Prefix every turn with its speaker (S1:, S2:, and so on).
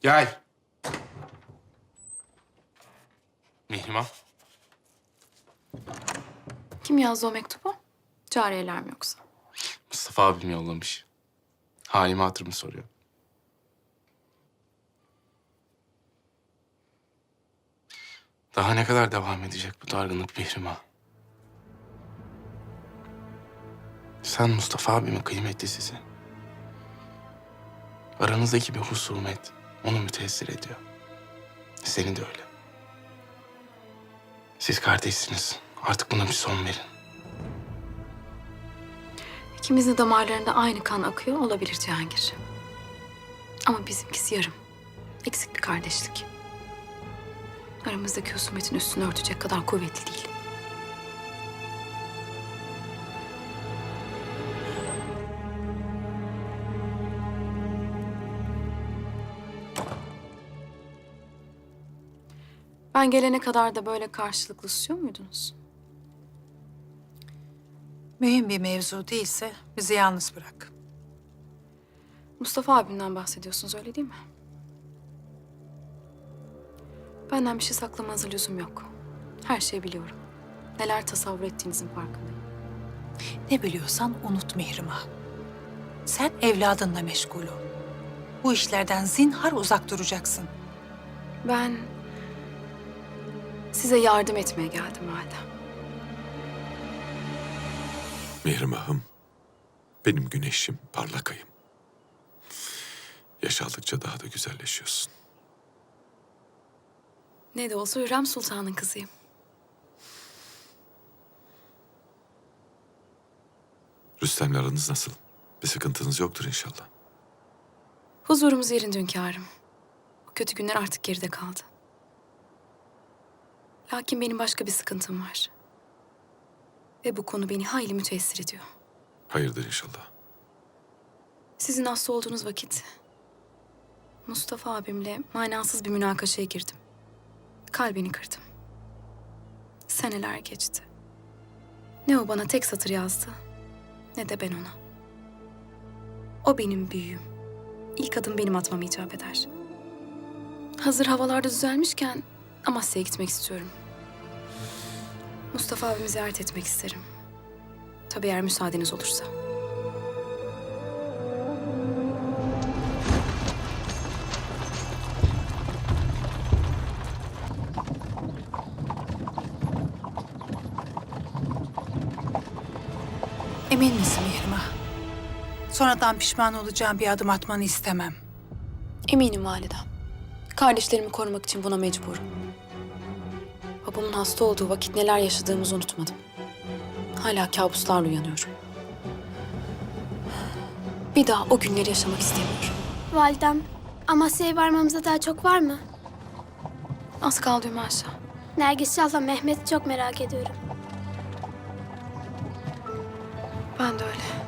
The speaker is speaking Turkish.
S1: Gel. Mihrimah.
S2: Kim yazdı o mektubu? Cariyeler mi yoksa?
S1: Mustafa abim yollamış. Halimi hatırımı soruyor. Daha ne kadar devam edecek bu dargınlık Mihrimah? Sen Mustafa abimin kıymetlisisin. Aranızdaki bir husumet onu müteessir ediyor. Seni de öyle. Siz kardeşsiniz. Artık buna bir son verin.
S2: İkimizin damarlarında aynı kan akıyor olabilir Cihangir. Ama bizimkisi yarım. Eksik bir kardeşlik. Aramızdaki husumetin üstünü örtecek kadar kuvvetli değil. Ben gelene kadar da böyle karşılıklı susuyor muydunuz?
S3: Mühim bir mevzu değilse bizi yalnız bırak.
S2: Mustafa abimden bahsediyorsunuz öyle değil mi? Benden bir şey saklamanıza lüzum yok. Her şeyi biliyorum. Neler tasavvur ettiğinizin farkındayım.
S3: Ne biliyorsan unut Mihrimah. Sen evladınla meşgul ol. Bu işlerden zinhar uzak duracaksın.
S2: Ben size yardım etmeye geldim Validem.
S4: Mihrimah'ım, benim güneşim, parlak ayım. Yaş aldıkça daha da güzelleşiyorsun.
S2: Ne de olsa Hürrem Sultan'ın kızıyım.
S4: Rüstem'le aranız nasıl? Bir sıkıntınız yoktur inşallah.
S2: Huzurumuz yerinde hünkârım. O kötü günler artık geride kaldı. Lakin benim başka bir sıkıntım var. Ve bu konu beni hayli müteessir ediyor.
S4: Hayırdır inşallah.
S2: Sizin hasta olduğunuz vakit Mustafa abimle manasız bir münakaşaya girdim. Kalbini kırdım. Seneler geçti. Ne o bana tek satır yazdı, ne de ben ona. O benim büyüğüm. İlk adım benim atmam icap eder. Hazır havalarda düzelmişken Amasya'ya gitmek istiyorum. Mustafa abimi ziyaret etmek isterim. Tabii eğer müsaadeniz olursa.
S3: Emin misin Mihrimah? Sonradan pişman olacağım bir adım atmanı istemem.
S2: Eminim validem. Kardeşlerimi korumak için buna mecburum. Babamın hasta olduğu vakit neler yaşadığımızı unutmadım. Hala kabuslarla uyanıyorum. Bir daha o günleri yaşamak istemiyorum.
S5: Validem, Amasya'ya varmamıza daha çok var mı?
S2: Az kaldı Hümaşa.
S5: Nergis Şah'la Mehmet'i çok merak ediyorum.
S2: Ben de öyle.